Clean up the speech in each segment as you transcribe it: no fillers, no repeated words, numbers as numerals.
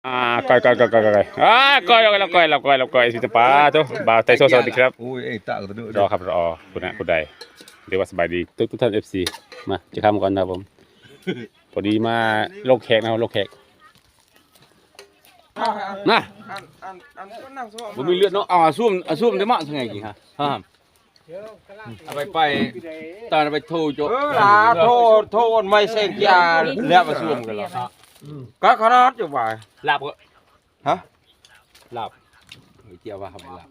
ก้อยก้อยสิจะป้าทุกบ่าวไทยโซสวัสดีครับโอ้ยเอ้ตาตัวนึงรอครับรอคุณใดเรียกว่าสบายดีทุกท่าน FC มาจะข้ามก่อนนะครับผมพอดีมาโลกแขกนะครับโลกแขกนะผมมีเลือดเนาะเอาซุ่มได้มั้งทั้งไงกี่ฮะเอาไปตอนไปโทรโจล่ะโทรไม่เซ็งยาแล้วมาซุ่มกันแล้วก็ขนาดอยู่บ่ายลาบก็ฮะลาบเกี่ยวว่าทำลาบ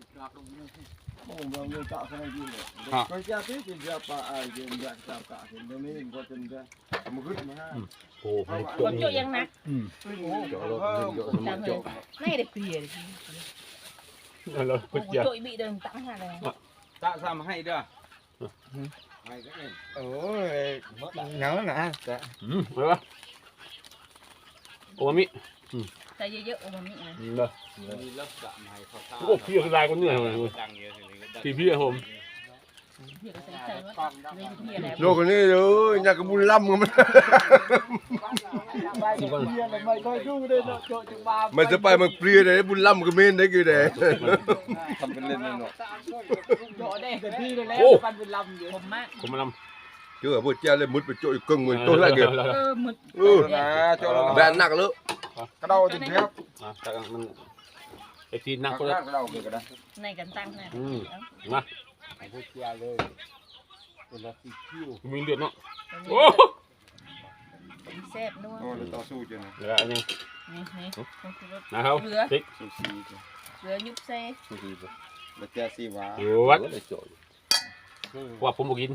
ฮะก็จะที่จะปะไอ้เย็นอยากจับกะเห็นตรงนี้ก็จนจะมือขึ้นมาโอ้คนโจยังนักโจไม่ได้เปลี่ยนเราคุณเจียโจbịเดินตั้งหาเลยตะซ้ำให้ด้วยให้ก็เองโอ้ยเหงาหนาแต่อะไรวะโอมามิใส่เยอะๆโอมามินะเด้อมีลักษณะให้เขาโอ้พี่คือลายคนเหนื่อยเลยพี่ผมโลกนี้เลยอยากกระบุญล่ำกันมันจะไปมันเปรี้ยเลยบุญล่ำก็เมนได้กี่เด้ทำเป็นเล่นเนาะโอ้ผมมาลำเจอพวกเจ้าเลยมุดไปโจยกึ่งเหมือนตัวแรกเลยมุดนะโจแบนหนักเลยกระเดาจริงครับแต่มันไอ้ที่นักก็ได้กระเดาคือกันนะในกันตั้งนะมาพวกเจ้าเลยเป็นละสิคิวมีเลือดเนาะโอ้แซ่บนัวโอ้ต่อสู้จังเหลืออันนี้นี่นะครับพริกเหลือยุบเซ่แล้วแกซีวาวัดว่าผมบอกกิน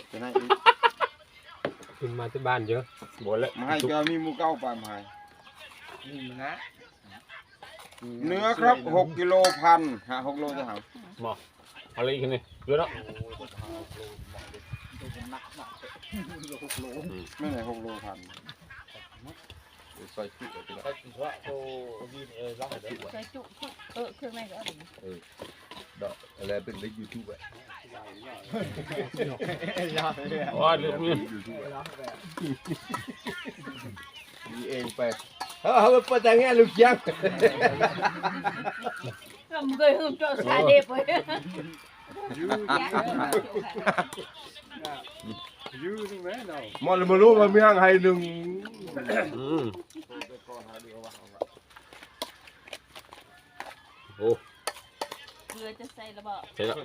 ขึ้นมาที่บ้านเยอะหมดแล้วมาให้จะมีมูเก้าปลาไม้นะเนื้อครับ6กิโลพันฮะ6โลจะหาหมออะไรอีกนี่เยอะแล้วไม่ไหน6โลพันใส่จุเครื่องในก็ได้ดอกอะไรเป็นในยูทูบว่าเรื่องนี้มีเองไปเขาเปิดแต่งงานลูกยังก็มึงเคยหืมโจสายเด็บเลยมอลมารู้ว่ามีห้างไฮหนึ่งโอ้เรือจะใส่ระเบิดใช่แล้ว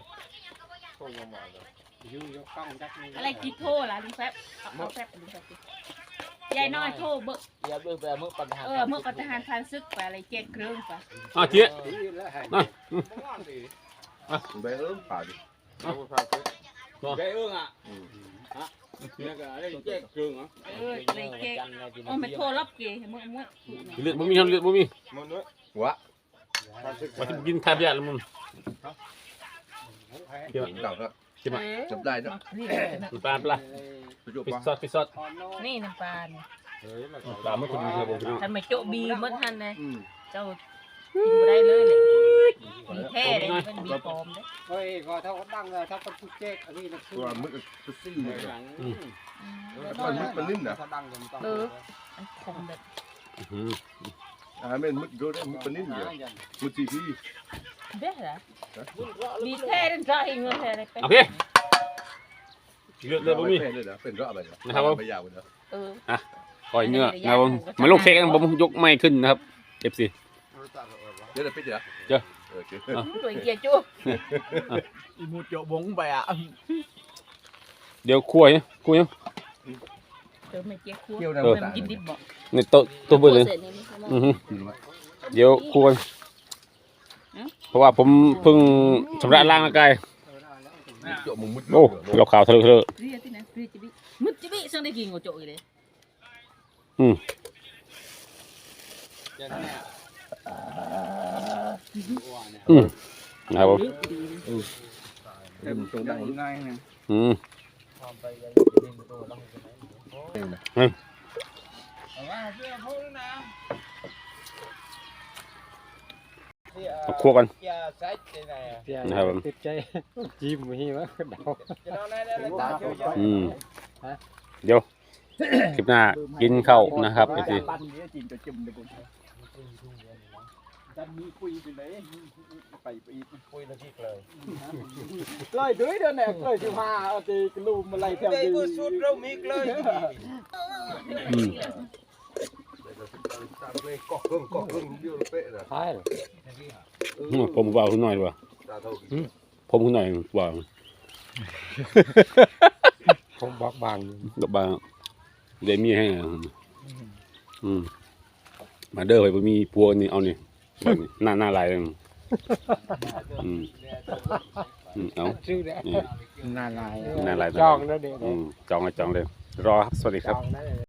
อะไรกี่โทล่ะลุงแฟบเอาแฟบลุงแฟบยายน้อยโทเบิกเมื่อปัญหาเมื่อปัญหาพันซึกไปอะไรเจ็ดเครื่องไปเจี๊ยนะไปผ่าดิไปเนี่ยก็ได้เจ๊กเครื่องเหรอเลยเจ๊กไม่โทรรับเกย์มึงเลือดมีเลือดมีวะว่าที่กินทานยาแล้วมึงเดี๋ยวเก่าครับใช่ไหมจับได้เนาะปลาปิดซอสนี่น้ำปลาปลาไม่คนดีเลยทำไมโจบีมันทันเลยเจ้ากินได้เลยมีแท้เลยมันมีปอมเลยเฮ้ยก็ถ้าเขาดังเลยถ้าเขาพูดเจ๊กอันนี้นะคือตัวมึกตุ๊ซี่เลยมันมึกมันนิ่มนะมันคมแบบเป็นมึกโดนมึกมันนิ่มเดียวมึกจีพีเด้อเหรอมีแท้ได้ใจเงินแท้เลยโอเคเลือดบ่มีเป็นรอบอะไรนะครับผมยาวเลยปล่อยเนื้อนะครับผมมันลงเค้กกันผมยกไม่ขึ้นนะครับFC เดี๋ยวไปเจอตัวเกียร์จุ๊บอีมูโจบงไปอ่ะเดี๋ยวคั่วยังไม่เจี๊ยบคั่วมันกินดิบบ่ในโต๊ะเบอร์เลยเดี๋ยวคั่วเพราะว่าผมเพิ่งชำระล้างร่างกายโอ้เราข่าวทะเลมุดจิบิสั่งได้กินกับโจยเลยนะครับผมตัวดังง่ายนะคั่วกันนะครับผมจิ้มมีมั้ยเดี๋ยวคลิปหน้ากินข้าวนะครับไอ้ทีดันมีคุยไปเลยไปอีกคุยนาทีเลยเลยด้วยเดือนแหนเลย15เอาตีกลุ่มอะไรแถว đây นี้ vừa suốt đâu micเลยอืมใช่ผมว่าคุณหน่อยดีกว่าผมคุณหน่อยว่าผมบอกบางกับบางเดมี่ให้อ่ะมาเด้อไปมีพัวนี่เอานี่แบบนี้หน้าลายเลยเอาชื่อเนี่ยนี่นานายหน้าลายจองแล้วเด็กจองเลยรอครับสวัสดีครับจองได้